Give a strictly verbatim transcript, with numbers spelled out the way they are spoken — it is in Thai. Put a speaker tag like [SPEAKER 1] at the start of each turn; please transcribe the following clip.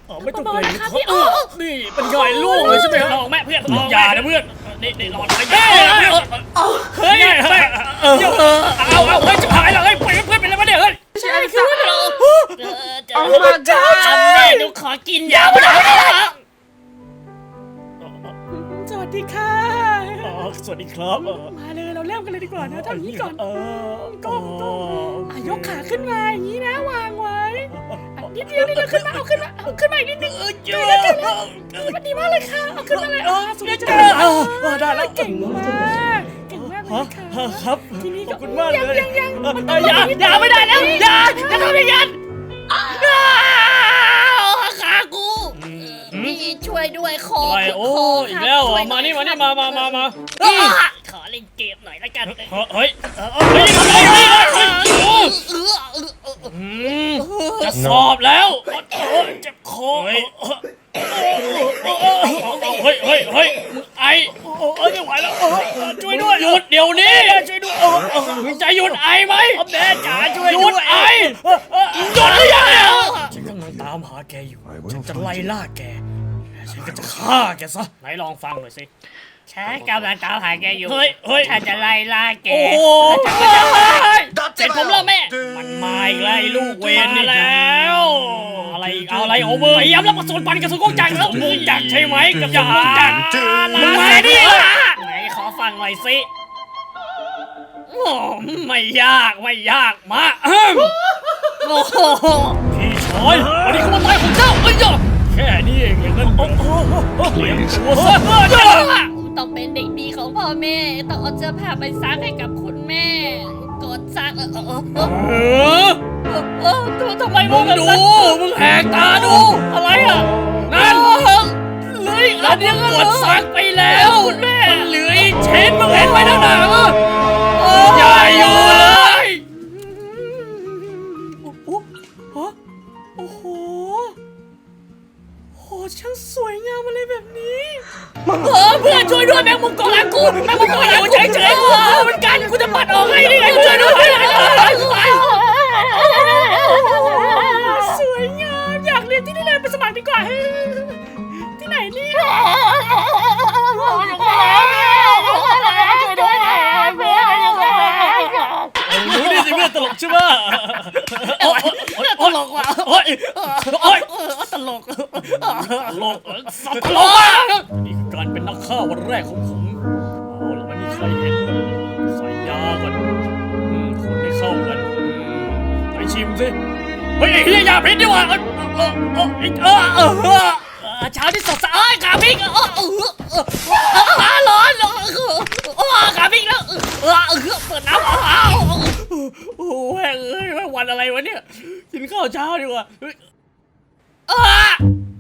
[SPEAKER 1] ไม่ต้องเกรงครับนี่เป็นย่อยลูกเลยใช่ไหมลองแม่เพื่อนอย่านะเพื่อนนี่นี่ลองไปเฮ้ยเฮ้ยเอาเอาเฮ้ยจะหายแล้วเฮ้ยเพื่อนเพื่อนเป็นอะไรมาเนี่ยเฮ้ย
[SPEAKER 2] ใช่คือเรา
[SPEAKER 1] โอ้พระเจ้าแม่หนูขอกินยาไปหน่อย
[SPEAKER 2] สวัสดีค่ะ
[SPEAKER 1] สวัสดีครับ
[SPEAKER 2] มาเลยเราเริ่มกันเลยดีกว่านะทำอย่างนี้ก่อน
[SPEAKER 1] เออ
[SPEAKER 2] ก้มก้มยกขาขึ้นมาอย่างนี้นะวางไว้นิดเดียวนิดเดียวขึ้นมาเอาขึ้นมาเอาขึ้นมาอีกนิดนึงเยอะมันดีมากเลยค่ะเอาขึ้นมาเลยอ๋อสุดยอดจังเลย
[SPEAKER 1] ได้แล้ว
[SPEAKER 2] เก่งมากเก่งมากเลยค่ะ
[SPEAKER 1] ครับ
[SPEAKER 2] ทีนี้
[SPEAKER 1] ขอบคุณมากเลย
[SPEAKER 2] ยังยังมัน
[SPEAKER 1] อย่าอย่าไม่ได้แล้วอย่าอย่าทำอย่างนั้น
[SPEAKER 2] ขากูนี่ช่วยด้วยคอ
[SPEAKER 1] อะไรโอ้อีกแล้วมานี่มานี่มามามามา
[SPEAKER 2] ขอเล่นเกมหน่อยละกัน
[SPEAKER 1] เฮ้ยเฮ้ยจะสอบแล้วเจ็บคอเฮ้ยเฮ้ยเฮ้ยเฮ้ยไอเอ้ยไม่ไหวแล้วช่วยด้วยหยุดเดี๋ยวนี้ช่วยด้วยจะหยุดไอไหมแม่จ๋าช่วยหยุดไอหยุดหรือยังฉันกำลังตามหาแกอยู่ฉันจะไล่ล่าแกฉันก็จะฆ่าแกซะไหนลองฟังหน่อยสิ
[SPEAKER 2] ฉันกำลังตามหาแกอยู่
[SPEAKER 1] เฮ้ยเฮ้ย
[SPEAKER 2] ฉันจะไล่ล่าแก
[SPEAKER 1] โอ้ยเสร็จผมแล้วแม่มันมาอีกแล้วลูกเวรนี่แล้วอะไรเอาอะไรโอ้มือย้ำแล้วมาสวนปันกับสุกงจักรแล้วมุงจักใช่ไหมกับสุกงจักรมึงมาดิไหนขอฟังหน่อยสิไม่ยากไม่ยากมาโอ้โหพี่ชายวันนี้เขามาตายของเจ้าเอ้ยแค่นี้เองอย่างนั้นโอ้โหเลี้ยงตัวซะ
[SPEAKER 2] ต้องเป็นเด็กดีของพ่อแม่ต้องเอาเสื้อผ้าไปซักให้กับคุณแม่กดซักเออเออเออเออทำไม
[SPEAKER 1] มึงดูมึงแหกตาดูอะไรอ่ะนั่นเหลืออีกอันยังกดซักไปแล้วคุณแม่เหลืออีกชิ้นมึงเห็นไหมนั่นน่ะใหญ่อยู่เลย
[SPEAKER 2] โอ้โหโหช่างสวยงามอะไรแบบนี้
[SPEAKER 1] เออเพื่อนช่วยด้วยแมงมุมเกาะหลังกูแมงมุมเกาะหลังกูเฉยเฉยกูเหมือนกันกูจะปัดออกให้นี่ไงช่วยด้วย
[SPEAKER 2] สวยงามอยากเรียนที่นี่เลยไปสมัครดีกว่าที่ไหนเนี่ย
[SPEAKER 1] รู้ดิสิเพื่อนตลกใช่ไหมตลกว่ะโอ้ยโอ้ยตลกตลกสัตว์ตลกอ่ะนี่คือการเป็นนักฆ่าวันแรกของผมเอาละไม่มีใครเห็นใส่ยาก่อนคนได้เข้ากันไปชิมสิเฮ้ยเฮียยาพิษดีกว่าเออเออเออเออเออเช้าที่สดใสขาพิษเออเออเออร้อนเออขาพิษแล้วเออเออเปิดน้ำอ้าวโอ้แม่เอ้ยวันอะไรวะเนี่ยกินข้าวเช้าดีกว่าเออ